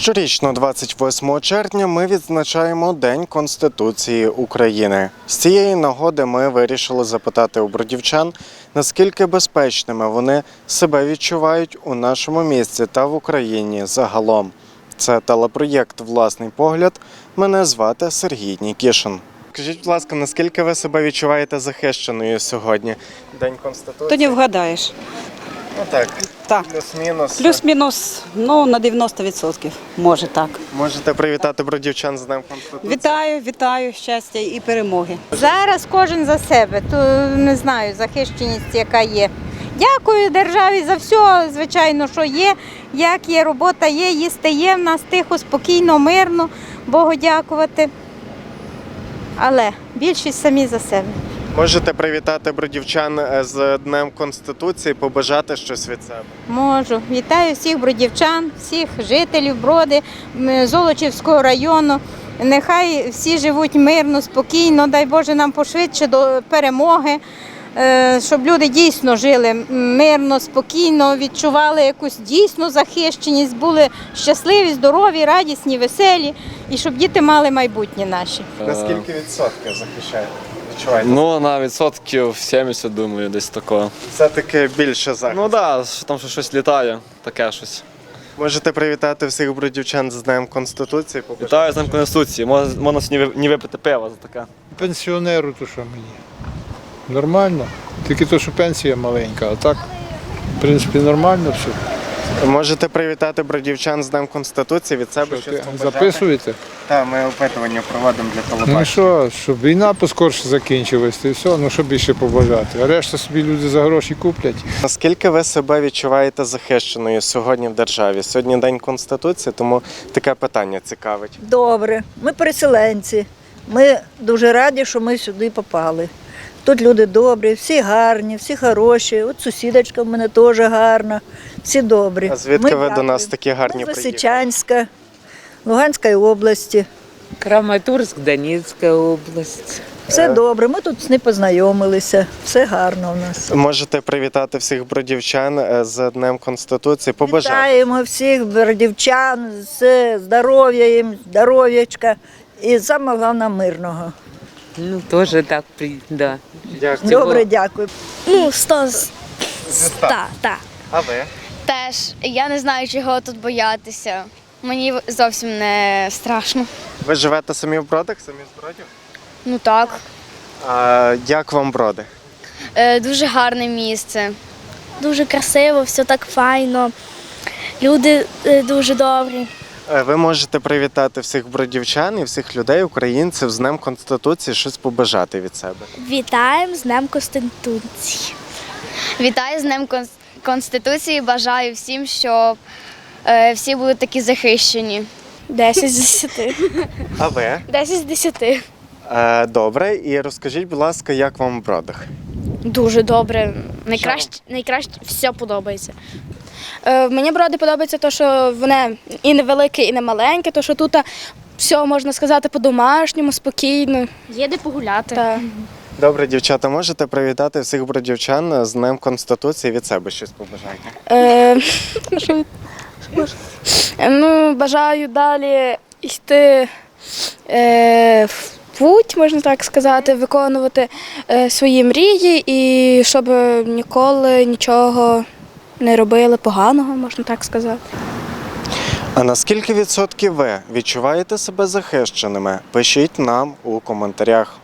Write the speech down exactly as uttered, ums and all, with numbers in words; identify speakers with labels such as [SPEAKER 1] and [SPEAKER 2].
[SPEAKER 1] Щорічно, двадцять восьмого червня, ми відзначаємо День Конституції України. З цієї нагоди ми вирішили запитати у бродівчан, наскільки безпечними вони себе відчувають у нашому місті та в Україні загалом. Це телепроєкт «Власний погляд». Мене звати Сергій Нікішин. Скажіть, будь ласка, наскільки ви себе відчуваєте захищеною сьогодні? День Конституції?
[SPEAKER 2] То не вгадаєш.
[SPEAKER 1] Ну так,
[SPEAKER 2] Так.
[SPEAKER 1] плюс-мінус.
[SPEAKER 2] Плюс-мінус, ну, на дев'яносто відсотків, може так.
[SPEAKER 1] Можете привітати бродівчан з Днем Конституції?
[SPEAKER 2] Вітаю, вітаю, щастя і перемоги.
[SPEAKER 3] Зараз кожен за себе, то не знаю, захищеність яка є. Дякую державі за все, звичайно, що є, як є, робота є, їсти є в нас тихо, спокійно, мирно, Богу дякувати. Але більшість самі за себе.
[SPEAKER 1] Можете привітати бродівчан з Днем Конституції, побажати щось від себе?
[SPEAKER 3] Можу. Вітаю всіх бродівчан, всіх жителів Броди, м, Золочівського району. Нехай всі живуть мирно, спокійно, дай Боже нам пошвидше до перемоги, е, щоб люди дійсно жили мирно, спокійно, відчували якусь дійсну захищеність, були щасливі, здорові, радісні, веселі і щоб діти мали майбутнє наші.
[SPEAKER 1] Наскільки відсотків захищаєте? Відчуваєте?
[SPEAKER 4] Ну, на відсотків сімдесят, думаю, десь такого.
[SPEAKER 1] Все-таки більше захист.
[SPEAKER 4] Ну так, да, там що щось літає, таке щось.
[SPEAKER 1] Можете привітати всіх бродівчан з Днем Конституції? побажати
[SPEAKER 4] Вітаю з Днем
[SPEAKER 1] щось?
[SPEAKER 4] Конституції. Можна, можна сьогодні ви- не випити пива за таке.
[SPEAKER 5] Пенсіонеру, то що мені? Нормально. Тільки то, що пенсія маленька, а так, в принципі, нормально все.
[SPEAKER 1] Можете привітати бродівчан з Днем Конституції від себе?
[SPEAKER 5] Що,
[SPEAKER 1] щось
[SPEAKER 5] ти
[SPEAKER 1] побажати?
[SPEAKER 5] записуєте?
[SPEAKER 1] Так, ми опитування проводимо для
[SPEAKER 5] Ну
[SPEAKER 1] телебачення.
[SPEAKER 5] що, щоб війна поскорше закінчилась, і все, ну що більше побажати. А решта собі люди за гроші куплять.
[SPEAKER 1] Наскільки ви себе відчуваєте захищеною сьогодні в державі? Сьогодні День Конституції, тому таке питання цікавить.
[SPEAKER 6] Добре, ми переселенці. Ми дуже раді, що ми сюди попали. Тут люди добрі, всі гарні, всі хороші. От сусідочка в мене теж гарна, всі добрі.
[SPEAKER 1] А звідки
[SPEAKER 6] Ми
[SPEAKER 1] ви до
[SPEAKER 6] дякуємо.
[SPEAKER 1] нас такі гарні
[SPEAKER 6] Ми з
[SPEAKER 1] приїхали?
[SPEAKER 6] Лисичанська, Луганської області.
[SPEAKER 7] Краматорськ, Донецька область.
[SPEAKER 6] Все
[SPEAKER 1] Е.
[SPEAKER 6] добре, ми тут не познайомилися, все гарно у нас.
[SPEAKER 1] Можете привітати всіх бродівчан е, з Днем Конституції, побажати.
[SPEAKER 6] Вітаємо всіх бродівчан з здоров'я їм, здоров'ячка і саме головне мирного.
[SPEAKER 7] Ну, тоже так, при- да.
[SPEAKER 1] Дякую.
[SPEAKER 6] Добре, дякую.
[SPEAKER 8] Ну, сто з
[SPEAKER 1] Зі ста.
[SPEAKER 8] ста, так.
[SPEAKER 1] А ви?
[SPEAKER 8] Теж я не знаю, чого тут боятися. Мені зовсім не страшно.
[SPEAKER 1] Ви живете самі в Бродах, самі з Бродів?
[SPEAKER 8] Ну так.
[SPEAKER 1] А як вам Броди?
[SPEAKER 8] Е, дуже гарне місце.
[SPEAKER 9] Дуже красиво, все так файно. Люди е, дуже добрі.
[SPEAKER 1] Е, Ви можете привітати всіх бродівчан і всіх людей, українців з Днем Конституції, щось побажати від себе.
[SPEAKER 9] Вітаємо з Днем Конституції.
[SPEAKER 8] Вітаю з Днем Кон- Конституції. Бажаю всім, щоб е, всі були такі захищені.
[SPEAKER 9] десять з десяти.
[SPEAKER 1] А ви?
[SPEAKER 9] десять з десяти.
[SPEAKER 1] Е, Добре, і розкажіть, будь ласка, як вам в Бродах?
[SPEAKER 9] Дуже добре. Найкраще, найкраще все подобається. Е, мені броди подобається те, що вони і невелике, і не маленьке, то що тут все можна сказати по-домашньому, спокійно. Є де погуляти. Так.
[SPEAKER 1] Добре, дівчата, можете привітати всіх бродівчан з Днем Конституції, від себе щось побажайте.
[SPEAKER 9] Е, що від- що можна? Е, ну, бажаю далі йти е, в путь, можна так сказати, виконувати е, свої мрії і щоб ніколи нічого не робили поганого, можна так сказати.
[SPEAKER 1] А наскільки відсотків ви відчуваєте себе захищеними? Пишіть нам у коментарях.